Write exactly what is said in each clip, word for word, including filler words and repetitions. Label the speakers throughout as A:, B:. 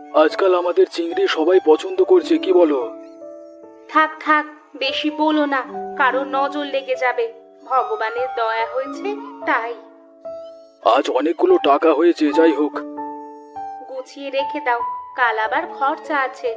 A: আজকাল আমাদের চিংড়ি সবাই পছন্দ করছে, কি বলো?
B: থাক থাক, বেশি বলো না, কারো নজর লেগে যাবে। ভগবানের দয়া হয়েছে তাই।
A: আজ অনেকগুলো টাকা হয়েছে, যাই হোক।
B: গুছিয়ে রেখে দাও, কাল আবার খরচা আছে।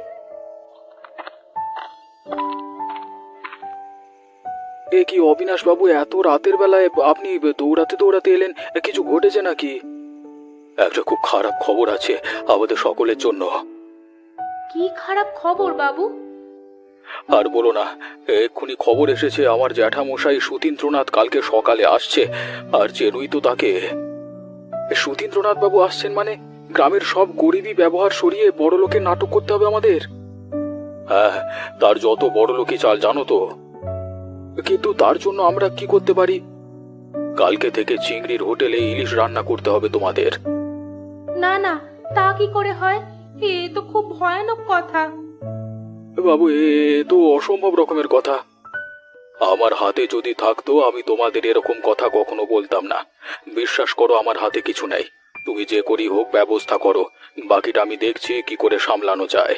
A: এ কি অবিনাশ বাবু, এত রাতের বেলায় আপনি দৌড়াতে দৌড়াতে এলেন? কিছু ঘটেছে নাকি? একটা খুব খারাপ খবর আছে আমাদের সকলের জন্য।
B: কি খারাপ খবর বাবু?
A: আর বলো না, এক্ষুনি খবর এসেছে আমার জ্যাঠামশাই সুতীন্দ্রনাথ কালকে সকালে আসছে। আর চেনুই তো তাকে। সুতীন্দ্রনাথ বাবু আসছেন মানে গ্রামের সব গরিবী ব্যবহার সরিয়ে বড় লোকের নাটক করতে হবে আমাদের। হ্যাঁ, তার যত বড় লোকই চাল জানো তো। কিন্তু তার জন্য আমরা কি করতে পারি? কালকে থেকে চিংড়ির হোটেলে ইলিশ রান্না করতে হবে তোমাদের।
B: না না, তা কি করে হয়? এ তো খুব ভয়ানক কথা।
A: বাবু, এ তো অসম্ভব রকমের কথা। আমার হাতে যদি থাকতো আমি তোমাদের এরকম কথা কখনো বলতাম না। বিশ্বাস করো, আমার হাতে কিছু নেই। তুমি যে করি হোক ব্যবস্থা করো, বাকিটা আমি দেখছি কি করে সামলানো যায়।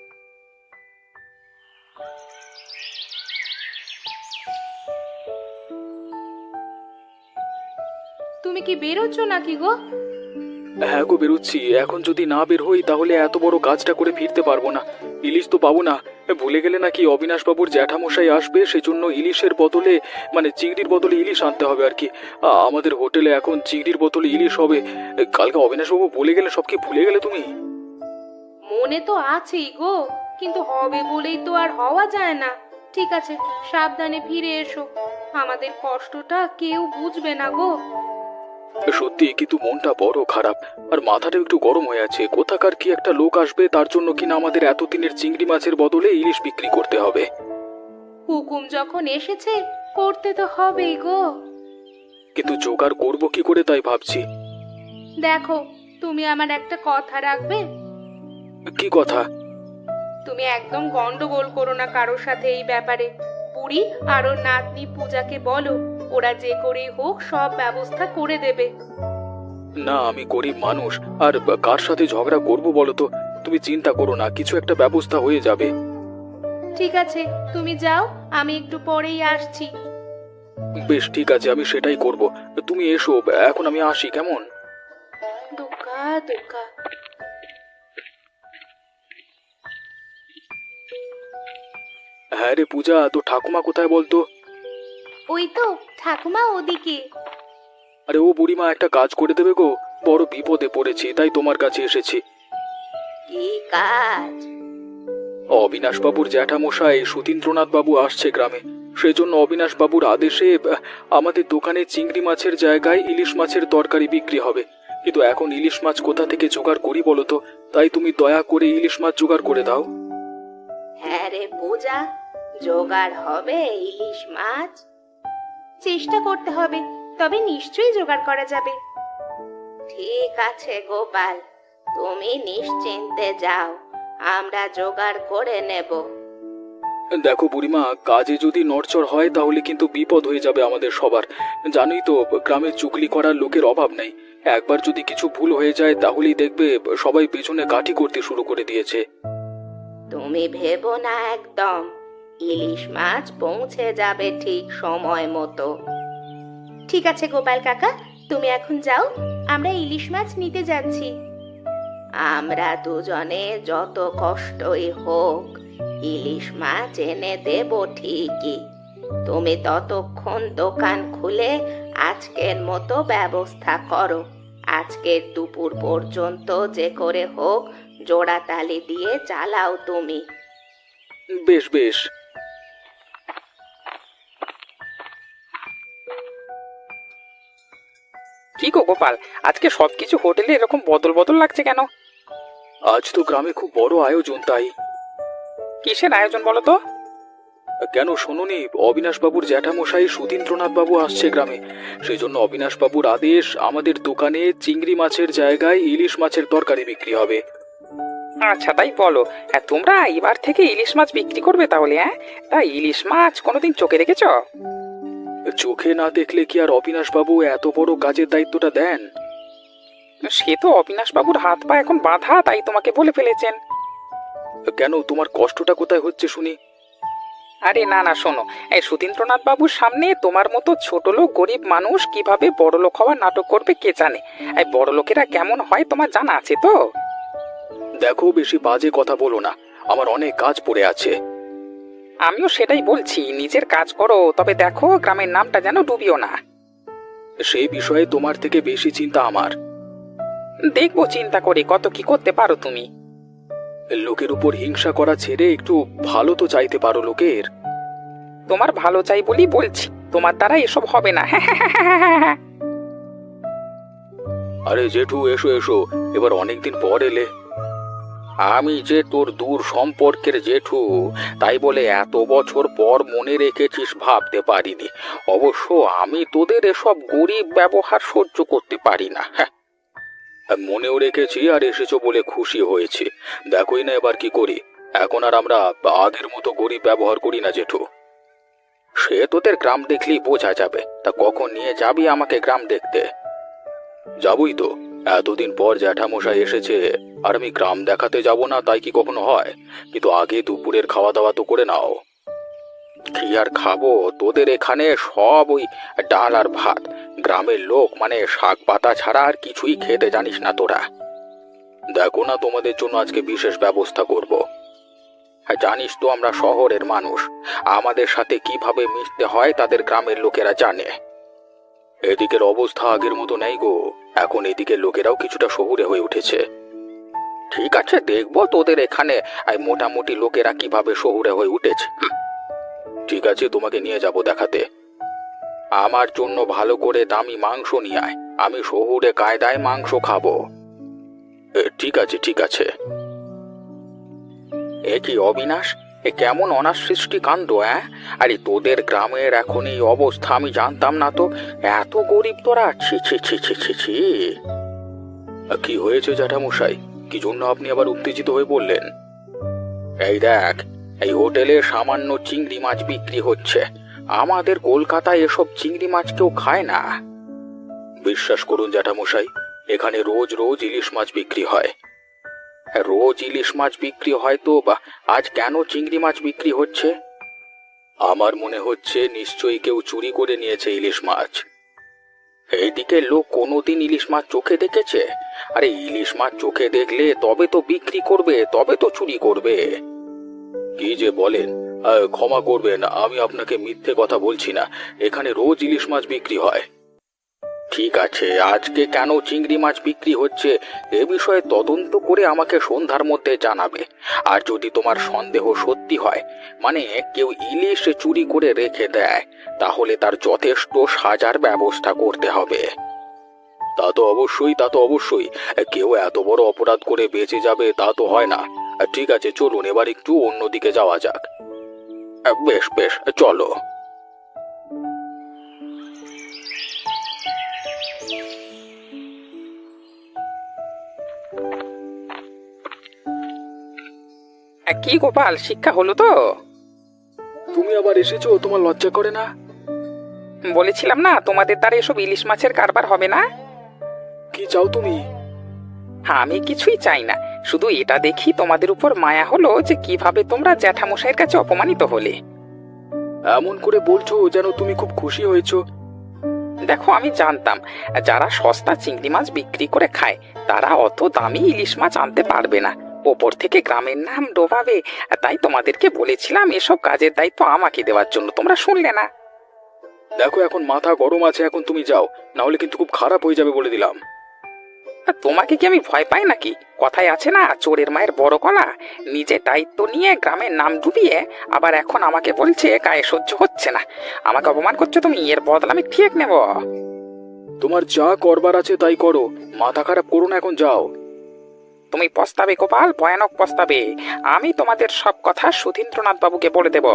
B: তুমি কি বেরোচ্ছ নাকি গো?
A: হ্যাঁ গো, বেরোচ্ছি। এখন যদি না বের হই তাহলে এত বড় কাজটা করে ফিরতে পারবো না। ইলিশ তো পাবো না। ভুলে গেলে নাকি অবিনাশ বাবুর জ্যাঠামশাই আসবে, সেজন্য ইলিশের বদলে মানে চিংড়ির বদলে ইলিশ আনতে হবে আর কি। আ- আমাদের হোটেলে এখন চিংড়ির বদলে ইলিশ হবে। কালকে অবিনাশ বাবু বলে গেলে, সব কি ভুলে গেলে তুমি?
B: মনে তো আছেই গো, কিন্তু হবে বলেই তো আর হওয়া যায় না। ঠিক আছে, সাবধানে ফিরে এসো। আমাদের কষ্টটা কেউ বুঝবে না গো।
A: সত্যি, কিন্তু মনটা বড় খারাপ। আর মাথাটা একটু গরম হয়ে আছে। কোথাকার কি একটা লোক আসবে, তার জন্য কিনা আমাদের এতদিনের চিংড়ি মাছের বদলে ইলিশ বিক্রি করতে হবে।
B: হুকুম যখন এসেছে করতে তো হবেই গো।
A: কিন্তু জোগাড় করবো কি করে তাই ভাবছি।
B: দেখো, তুমি আমার একটা কথা রাখবে?
A: কি কথা?
B: তুমি একদম গন্ডগোল করো না কারোর সাথে এই ব্যাপারে। বুড়ি আর ওর নাতনি পূজাকে বলো, ওরা যে করেই হোক সব ব্যবস্থা করে দেবে।
A: না, আমি গরিব মানুষ, আর কার সাথে ঝগড়া করবো বলো তো? তুমি চিন্তা করো না, কিছু একটা ব্যবস্থা হয়ে যাবে।
B: ঠিক আছে, তুমি যাও, আমি একটু পরেই আসছি।
A: বেশ, ঠিক আছে, আমি সেটাই করব। তুমি এসো, এখন আমি আসি, কেমন?
B: দুঃখা দুঃখা।
A: হ্যাঁ রে পূজা, তো ঠাকুমা কোথায় বলতো?
B: ওই তো ঠাকুমা ওদিকে।
A: আরে ও বুড়িমা, একটা কাজ করে দেবে গো। বড় বিপদে পড়েছি, তাই তোমার কাছে এসেছি।
B: কি কাজ?
A: অবিনাশ বাবুর জ্যাঠামশাই সুতীন্দ্রনাথ বাবু আসছে গ্রামে। সেজন্য অবিনাশ বাবুর আদেশে আহ, আমাদের দোকানে চিংড়ি মাছের জায়গায় ইলিশ মাছের তরকারি বিক্রি হবে। কিন্তু এখন ইলিশ মাছ কোথা থেকে জোগাড় করি বলো তো? তাই তুমি দয়া করে ইলিশ মাছ জোগাড় করে দাও।
B: হ্যাঁ রে পূজা, জোগাড় হবে ইলিশ মাছ? চেষ্টা করতে হবে, তবে নিশ্চয়ই জোগাড় করা যাবে। ঠিক আছে গোপাল, তুমি নিশ্চিন্তে যাও, আমরা জোগাড় করে নেব।
A: দেখো বুড়িমা, কাজে যদি নড়চড় হয় তাহলে কিন্তু বিপদ হয়ে যাবে আমাদের সবার। জানোই তো, গ্রামে চুগলি করার লোকের অভাব নেই। একবার যদি কিছু ভুল হয়ে যায় তাহলেই দেখবে সবাই পেছনে কাঠি করতে শুরু করে দিয়েছে।
B: তুমি ভেবো না একদম, ইলিশ মাছ পৌঁছে যাবে ঠিক সময় মতো। ঠিক আছে গোপাল কাকা, তুমি এখন যাও, আমরা ইলিশ মাছ নিতে যাচ্ছি। আমরা দুজনে যত কষ্টই হোক ইলিশ মাছ এনে দেব ঠিকই। তুমি ততক্ষণ দোকান খুলে আজকের মতো ব্যবস্থা করো। আজকের দুপুর পর্যন্ত যে করে হোক জোড়াতালি দিয়ে চালাও তুমি।
A: বেশ বেশ।
C: কি গো গোপাল, আজকে সবকিছু হোটেলে এরকম বদল বদল লাগছে কেন?
A: আজ তো গ্রামে খুব বড় আয়োজন, তাই।
C: কিসের আয়োজন বলো তো?
A: কেন শোনোনি? অবিনাশ বাবুর জ্যাঠামশাই সুধীন্দ্রনাথ বাবু আসছে গ্রামে। সেই জন্য অবিনাশ বাবুর আদেশ, আমাদের দোকানে চিংড়ি মাছের জায়গায় ইলিশ মাছের তরকারি বিক্রি হবে।
C: আচ্ছা তাই বলো। হ্যাঁ, তোমরা এবার থেকে ইলিশ মাছ বিক্রি করবে তাহলে? হ্যাঁ, তা ইলিশ মাছ কোনোদিন চোখে রেখেছো?
A: চোখে না দেখলে কি আর অবিনাশ বাবু এত বড় কাজের দায়িত্বটা দেন?
C: সে তো অবিনাশবাবুর হাত পা এখন বাঁধা, তাই তোমাকে বলে ফেলেছেন।
A: কেন, তোমার কষ্টটা কোথায় হচ্ছে শুনি?
C: আরে না না, শোনো, এই সুধীন্দ্রনাথ বাবুর সামনে তোমার মতো ছোট লোক গরিব মানুষ কিভাবে বড় লোক হওয়ার নাটক করবে কে জানে। এই বড় লোকেরা কেমন হয় তোমার জানা আছে তো?
A: দেখো, বেশি বাজে কথা বলো না, আমার অনেক কাজ পড়ে আছে।
C: আমিও সেটাই বলছি, নিজের কাজ করো, তবে দেখো গ্রামের নামটা যেন ডুবিও না।
A: সেই বিষয়ে তোমার থেকে বেশি চিন্তা আমার।
C: দেখবো চিন্তা করে কত কি করতে পারো তুমি।
A: লোকের উপর হিংসা করা ছেড়ে একটু ভালো তো চাইতে পারো লোকের।
C: তোমার ভালো চাই বলি বলছি, তোমার দ্বারা এসব হবে না।
A: আরে জেঠু, এসো এসো, এবার অনেকদিন পর এলে। আমি যে তোর দূর সম্পর্কের জেঠু, তাই বলে এত বছর পর মনে রেখেছিস ভাবতে পারিনি। অবশ্য আমি তোদের এসব গরিব ব্যবহার সহ্য করতে পারি না। হ্যাঁ, মনেও রেখেছি আর এসেছো বলে খুশি হয়েছি। দেখোই না এবার কি করি। এখন আর আমরা আগের মতো গরিব ব্যবহার করি না জেঠু। সে তোদের গ্রাম দেখলেই বোঝা যাবে। তা কখন নিয়ে যাবি আমাকে গ্রাম দেখতে? যাবই তো, এতদিন পর জ্যাঠামশাই এসেছে, আর আমি গ্রাম দেখাতে যাব না তাই কি কখনো হয়? কিন্তু আগে দুপুরের খাওয়া দাওয়া তো করে নাও। কি আর খাবো, তোদের এখানে সব ওই ডাল আর ভাত। গ্রামের লোক মানে শাক পাতা ছাড়া আর কিছুই খেতে জানিস না তোরা। দেখো না, তোমাদের জন্য আজকে বিশেষ ব্যবস্থা করব। হ্যাঁ, জানিস তো আমরা শহরের মানুষ, আমাদের সাথে কিভাবে মিশতে হয় তাদের গ্রামের লোকেরা জানে। এদিকের অবস্থা আগের মতো নেই গো, এখন এদিকে লোকেরাও কিছুটা শহুরে হয়ে উঠেছে। ঠিক আছে, দেখবো তোদের এখানে এই মোটামুটি লোকেরা কিভাবে শহুরে হয়ে উঠেছে। হুম, ঠিক আছে, তোমাকে নিয়ে যাব দেখাতে। আমার জন্য ভালো করে দামি মাংস নিয়ে আয়, আমি শহুরে কায়দায় মাংস খাবো। এ, ঠিক আছে ঠিক আছে। এ কি অবিনাশ, এ কেমন অনাসৃষ্টি কাণ্ড! হ্যাঁ, আরে তোদের গ্রামের এখন এই অবস্থা আমি জানতাম না তো। এত গরিব তোরা! ছি ছি ছি ছি ছি ছি। কি হয়েছে জ্যাঠামশাই? কি জন্য আপনি আবার উত্তেজিত হয়ে বললেন? এই দেখ, এই হোটেলে সামান্য চিংড়ি মাছ বিক্রি হচ্ছে। আমাদের কলকাতায় এসব চিংড়ি মাছ কেউ খায় না। বিশ্বাস করুন জ্যাঠামশাই, এখানে রোজ রোজ ইলিশ মাছ বিক্রি হয়। রোজ ইলিশ মাছ বিক্রি হয় তো বা আজ কেন চিংড়ি মাছ বিক্রি হচ্ছে? আমার মনে হচ্ছে নিশ্চয়ই কেউ চুরি করে নিয়েছে ইলিশ মাছ। এইদিকে লোক কোনোদিন ইলিশ মাছ চোখে দেখেছে? আরে ইলিশ মাছ চোখে দেখলে তবে তো বিক্রি করবে, তবে তো চুরি করবে। কি যে বলেন! আহ, ক্ষমা করবেন, আমি আপনাকে মিথ্যে কথা বলছি না। এখানে রোজ ইলিশ মাছ বিক্রি হয়। ঠিক আছে, আজকে কেন চিংড়ি মাছ বিক্রি হচ্ছে এ বিষয়ে তদন্ত করে আমাকে সন্ধ্যার মধ্যে জানাবে। আর যদি তোমার সন্দেহ সত্যি হয়, মানে কেউ ইলিশ চুরি করে রেখে দেয়, তাহলে তার যথেষ্ট সাজার ব্যবস্থা করতে হবে। তা তো অবশ্যই, তা তো অবশ্যই। কেউ এত বড় অপরাধ করে বেঁচে যাবে তা তো হয় না। ঠিক আছে, চলুন এবার একটু অন্যদিকে যাওয়া যাক। বেশ বেশ, চলো।
C: কি গোপাল, শিক্ষা হলো তো?
A: তুমি আবার এসেছো, তোমার লজ্জা করে না?
C: বলেছিলাম না তোমাদের দ্বারা এসব ইলিশ মাছের কারবার হবে না।
A: কি চাও তুমি?
C: আমি কিছুই চাই না, শুধু এটা দেখি তোমাদের উপর মায়া হলো যে কিভাবে তোমরা জ্যাঠামশাইয়ের কাছে অপমানিত হলে।
A: এমন করে বলছো যেন তুমি খুব খুশি হয়েছো।
C: দেখো, আমি জানতাম যারা সস্তা চিংড়ি মাছ বিক্রি করে খায় তারা অত দামি ইলিশ মাছ আনতে পারবে না, ওপর থেকে গ্রামের নাম ডোবাবে। তাই তোমাদেরকে বলেছিলাম এসব কাজের দায়িত্ব আমাকে দেওয়ার জন্য, তোমরা শুনলে না।
A: দেখো, এখন মাথা গরম আছে, এখন তুমি যাও, না হলে কিন্তু খুব খারাপ হয়ে যাবে বলে দিলাম।
C: আর তোমাকে কি আমি ভয় পাই নাকি? কথায় আছে না, চোরের মায়ের বড় গলা। নিজে দায়িত্ব নিয়ে গ্রামের নাম ডুবিয়ে আবার এখন আমাকে বলছে গায়ে সহ্য হচ্ছে না। আমাকে অপমান করছো তুমি, এর বদলা আমি ঠিক নেব।
A: তোমার যা করবার আছে তাই করো, মাথা খারাপ করো না, এখন যাও।
C: তুমি পস্তাবে গোপাল, ভয়ানক পস্তাবে। আমি তোমাদের সব কথা সুধীন্দ্রনাথ বাবুকে বলে দেব।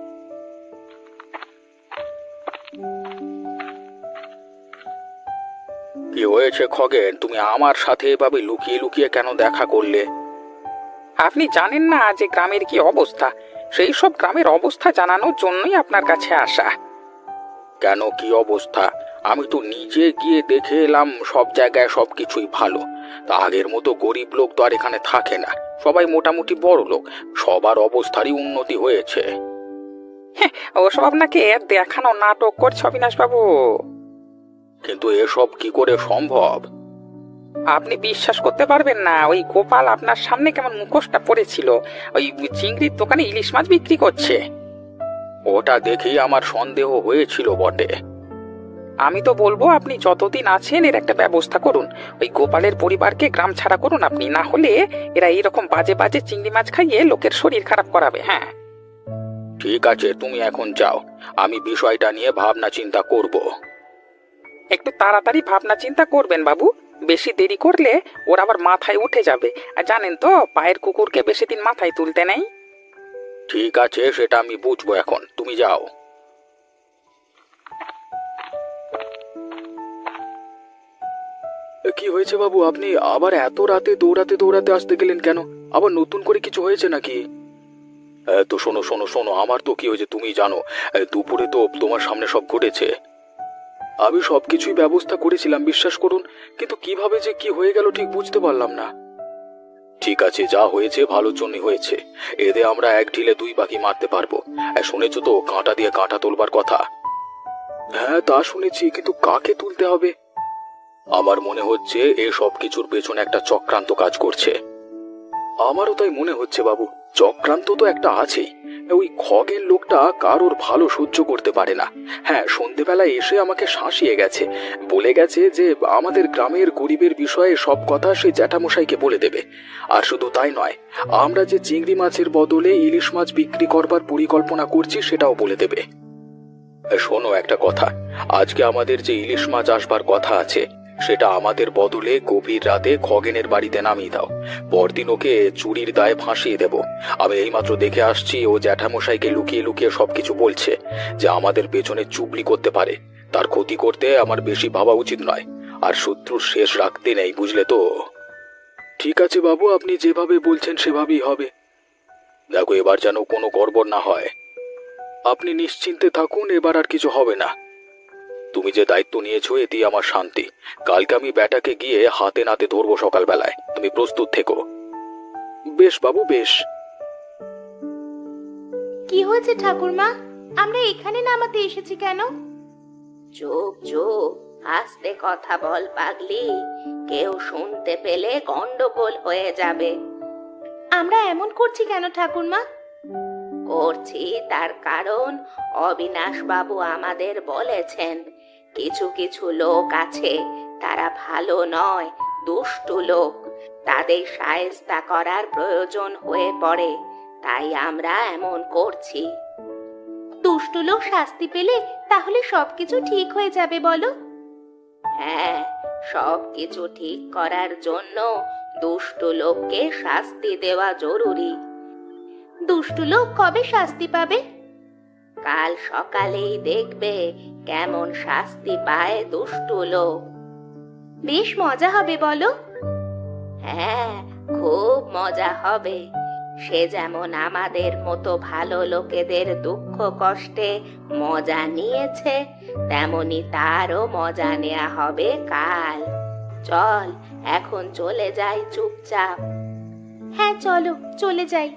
A: কি হয়েছে খগেন, তুমি আমার সাথে এভাবে লুকিয়ে লুকিয়ে কেন দেখা করলে?
C: আপনি জানেন না যে গ্রামের কি অবস্থা, সেই সব গ্রামের অবস্থা জানানোর জন্যই আপনার কাছে আসা।
A: কেন, কি অবস্থা? আমি তো নিজে গিয়ে দেখে এলাম সব জায়গায় সবকিছুই ভালো। তা আগের মতো গরিব লোক তো আর এখানে থাকে না, সবাই মোটামুটি বড় লোক, সবার অবস্থারই উন্নতি হয়েছে।
C: ওসব আপনাকে দেখানো নাটক করছে অবিনাশ বাবু।
A: কিন্তু এসব কি করে সম্ভব?
C: আপনি বিশ্বাস করতে পারবেন না, ওই গোপাল আপনার সামনে কেমন মুখোশটা পড়েছিল, ওই চিংড়ির দোকানে ইলিশ মাছ বিক্রি করছে।
A: ওটা দেখেই আমার সন্দেহ হয়েছিল বটে।
C: আমি তো বলবো আপনি যতদিন আছেন এর একটা ব্যবস্থা করুন, ওই গোপালের পরিবারকে গ্রাম ছাড়া করুন আপনি, না হলে এরা এইরকম বাজে বাজে চিংড়ি মাছ খাইয়ে লোকের শরীর খারাপ করাবে। হ্যাঁ
A: ঠিক আছে, তুমি এখন যাও, আমি বিষয়টা নিয়ে ভাবনা চিন্তা করব।
C: একটু তাড়াতাড়ি ভাবনা চিন্তা করবেন বাবু, বেশি দেরি করলে ওর আবার মাথায় উঠে যাবে। আর জানেন তো, পায়ের কুকুরকে বেশি দিন মাথায় তুলতে নেই।
A: ঠিক আছে, সেটা আমি বুঝবো, এখন তুমি যাও। কি হয়েছে বাবু, আপনি আবার এত রাতে দৌড়াতে দৌড়াতে আসতে গেলেন কেন? আবার নতুন করে কিছু হয়েছে নাকি? তো শোনো শোনো শোনো, আমার তো কি হয়েছে তুমি জানো, দুপুরে তো তোমার সামনে সব ঘটেছে। আমি সবকিছুই ব্যবস্থা করেছিলাম, বিশ্বাস করুন, কিন্তু কিভাবে যে কি হয়ে গেল ঠিক বুঝতে পারলাম না। ঠিক আছে, যা হয়েছে ভালোর জন্যই হয়েছে, এতে আমরা এক ঢিলে দুই পাখি মারতে পারবো। শুনেছো তো কাঁটা দিয়ে কাঁটা তোলবার কথা? হ্যাঁ তা শুনেছি, কিন্তু কাকে তুলতে হবে? আমার মনে হচ্ছে এ সব কিছুর পেছনে একটা চক্রান্ত কাজ করছে। আমারও তাই মনে হচ্ছে বাবু, চক্রান্ত তো একটা আছেই। ওই খগের লোকটা কারোর ভালো সহ্য করতে পারে না। হ্যাঁ, সন্ধেবেলায় এসে আমাকে শাসিয়ে গেছে, বলে গেছে যে আমাদের গ্রামের গরিবের বিষয়ে সব কথা সে জ্যাঠামশাইকে বলে দেবে। আর শুধু তাই নয়, আমরা যে চিংড়ি মাছের বদলে ইলিশ মাছ বিক্রি করবার পরিকল্পনা করছি সেটাও বলে দেবে। শোনো একটা কথা, আজকে আমাদের যে ইলিশ মাছ আসবার কথা আছে সেটা আমাদের বদলে গভীর রাতে খগেনের বাড়িতে নামিয়ে দাও। পরদিন ওকে চুরির দায়ে ফাঁসিয়ে দেব। আমি এইমাত্র দেখে আসছি ও জ্যাঠামশাইকে লুকিয়ে লুকিয়ে সবকিছু বলছে, যে আমাদের পেছনে চুগলি করতে পারে। তার ক্ষতি করতে আমার বেশি ভাবা উচিত নয়, আর শত্রুর শেষ রাখতে নেই, বুঝলে তো? ঠিক আছে বাবু, আপনি যেভাবে বলছেন সেভাবেই হবে। দেখো, এবার যেন কোনো গড়বড় না হয়। আপনি নিশ্চিন্তে থাকুন, এবার আর কিছু হবে না। তুমি যে দায়িত্ব নিয়েছো এতেই আমার শান্তি। কালকে আমি ব্যাটাকে গিয়ে হাতে নাতে ধরবো সকালবেলায়, তুমি প্রস্তুত থেকো। বেশ বাবু, বেশ।
B: কি হয়েছে ঠাকুরমা, আমরা এখানে নামাতে এসেছি কেন? চুপ চুপ, আস্তে কথা বল পাগলি, কেউ শুনতে পেলে গন্ডগোল হয়ে যাবে। আমরা এমন করছি কেন ঠাকুরমা? করছি তার কারণ অবিনাশ বাবু আমাদের বলেছেন, কিছু কিছু লোক আছে, তারা ভালো নয়, দুষ্টু লোক, তাদের শায়েস্তা করার প্রয়োজন হয়ে পড়ে, তাই আমরা এমন করছি। দুষ্টু লোক শাস্তি পেলে তাহলে সবকিছু ঠিক হয়ে যাবে বলো? হ্যাঁ, সবকিছু ঠিক করার জন্য দুষ্টু লোককে শাস্তি দেওয়া জরুরি। দুষ্টু লোক কবে শাস্তি পাবে? কাল সকালেই দেখবে কেমন শাস্তি পায় দুষ্টু লোক। বেশ মজা হবে বলো? হ্যাঁ, খুব মজা হবে। সে যেমন আমাদের মতো ভালো লোকেদের দুঃখ কষ্টে মজা নিয়েছে, তেমনি তারও মজা নেওয়া হবে কাল। চল এখন চলে যাই চুপচাপ। হ্যাঁ চলো, চলে যাই।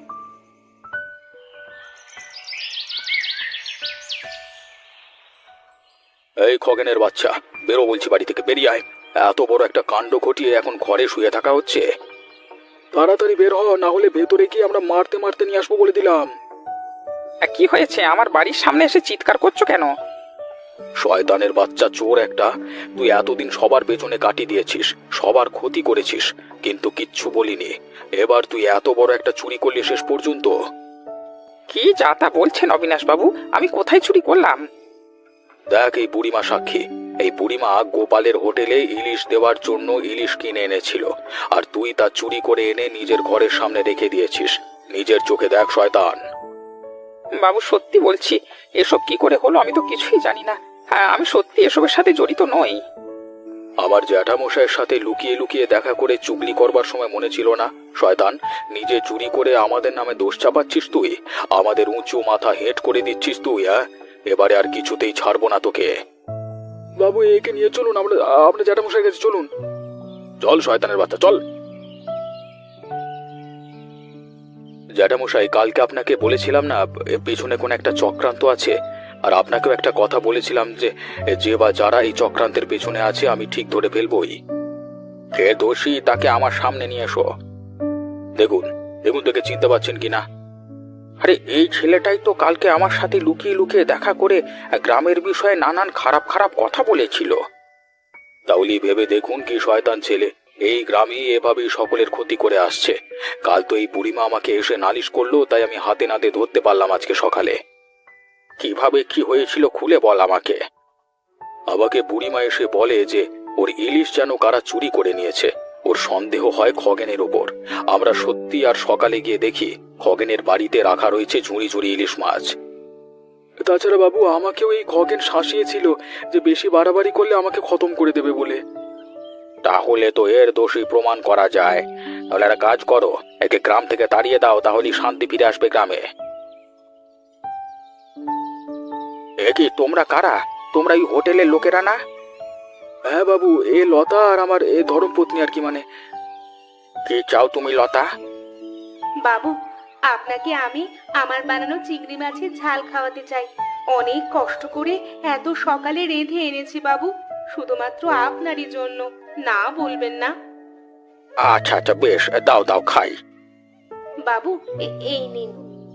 A: এই খগেনের বাচ্চা, বেরো বলছি, বাড়ি থেকে বেরিয়ে আয়। এত বড় একটা কাণ্ড ঘটিয়ে এখন ঘরে শুয়ে থাকা হচ্ছে। তাড়াতাড়ি বের হ, না হলে ভেতরে গিয়ে আমরা মারতে মারতে নিয়ে আসবো বলে দিলাম।
C: কি হয়েছে, আমার বাড়ির সামনে এসে চিৎকার করছো কেন?
A: শয়তানের বাচ্চা, চোর একটা, তুই এতদিন সবার পেছনে কাটি দিয়েছিস, সবার ক্ষতি করেছিস, কিন্তু কিচ্ছু বলিনি। এবার তুই এত বড় একটা চুরি করলি শেষ পর্যন্ত।
C: কি যা তা বলছেন অবিনাশ বাবু, আমি কোথায় চুরি করলাম?
A: দেখ, এই বুড়িমা সাক্ষী। এই বুড়িমা গোপালের হোটেলে ইলিশ দেওয়ার জন্য ইলিশ কিনে এনেছিল, আর তুই তা চুরি করে এনে নিজের ঘরের সামনে রেখে দিয়েছিস। নিজের চোখে দেখ শয়তান।
C: বাবু সত্যি বলছি, এসব কি করে হলো আমি তো কিছুই জানি না। হ্যাঁ, আমি সত্যি এসবের সাথে জড়িত নই।
A: আমার জ্যাঠামশাইয়ের সাথে লুকিয়ে লুকিয়ে দেখা করে চুগলি করবার সময় মনে ছিল না? শয়তান, নিজে চুরি করে আমাদের নামে দোষ চাপাচ্ছিস তুই, আমাদের উঁচু মাথা হেঁট করে দিচ্ছিস তুই। হ্যাঁ, এবারে আর কিছুতেই ছাড়বো না তোকে। বাবু একে নিয়ে চলুন, আমরা আপনার জ্যাঠামশাইয়ের কাছে চলুন। চল শয়তানের বাচ্চা চল। জ্যাঠামশাই, কালকে আপনাকে বলেছিলাম না এর পেছনে কোন একটা চক্রান্ত আছে, আর আপনাকেও একটা কথা বলেছিলাম যে যে বা যারা এই চক্রান্তের পেছনে আছে আমি ঠিক ধরে ফেলবই। কে দোষী তাকে আমার সামনে নিয়ে এসো। দেখুন দেখুন তোকে চিনতে পারছেন কিনা? আরে এই ছেলেটাই তো কালকে আমার সাথে লুকিয়ে লুকিয়ে দেখা করে গ্রামের বিষয়ে নানান খারাপ খারাপ কথা বলেছিল। তাহলে ভেবে দেখুন কি শয়তান ছেলে, এই গ্রামে এভাবেই সকলের ক্ষতি করে আসছে। কাল তো এই বুড়িমা আমাকে এসে নালিশ করলো, তাই আমি হাতে নাতে ধরতে পারলাম আজকে সকালে। কিভাবে কি হয়েছিল খুলে বল আমাকে। আমাকে বুড়িমা এসে বলে যে ওর ইলিশ যেন কারা চুরি করে নিয়েছে। ওর সন্দেহ হয় খগেনের ওপর। আমরা সত্যি আর সকালে গিয়ে দেখি খগেনের বাড়িতে রাখা রয়েছে ঝুড়ি ঝুড়ি ইলিশ মাছ। তাছাড়া বাবু আমাকেও এই খগেন শাসিয়েছিল যে বেশি বাড়াবাড়ি করলে আমাকে খতম করে দেবে বলে। তাহলে তো এর দোষী প্রমাণ করা যায়। তাহলে একটা কাজ করো, একে গ্রাম থেকে তাড়িয়ে দাও, তাহলেই শান্তি ফিরে আসবে গ্রামে। এ কি তোমরা কারা? তোমরা এই হোটেলের লোকেরা না? হ্যাঁ বাবু, এ লতা আর আমার এ ধর্মপত্নী আর কি। মানে কি চাও তুমি লতা?
B: বাবু, আপনাকে আমি আমার বানানো চিংড়ি মাছের ঝাল খাওয়াতে চাই। অনেক কষ্ট করে এত সকালে রেঁধে এনেছি বাবু, শুধুমাত্র আপনারই জন্য। না বলবেন না?
A: আচ্ছা আচ্ছা বেশ, দাও দাও খাই।
B: বাবু, এ- এই নিন।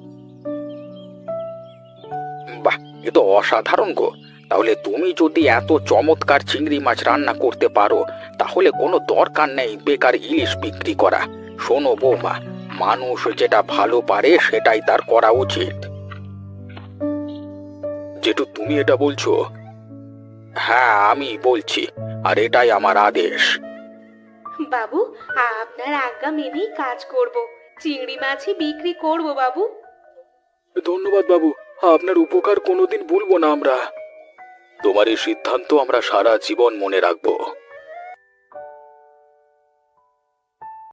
A: বাহ, এ তো অসাধারণ গো। তাহলে তুমি যদি এত চমৎকার চিংড়ি মাছ রান্না করতে পারো, তাহলে কোনো দরকার নেই বেকার ইলিশ বিক্রি করা। শোনো বৌমা, মানুষ যেটা ভালো পারে সেটাই তার করা উচিত। যেটু তুমি এটা বলছো? হ্যাঁ আমি বলছি, আর এটাই আমার আদেশ।
B: বাবু, আপনার আজ্ঞা মেনেই কাজ করব। চিংড়ি মাছই বিক্রি করব বাবু।
A: ধন্যবাদ বাবু, আপনার উপকার কোনোদিন ভুলবো না আমরা। তোমার এই সিদ্ধান্ত আমরা সারা জীবন মনে রাখবো।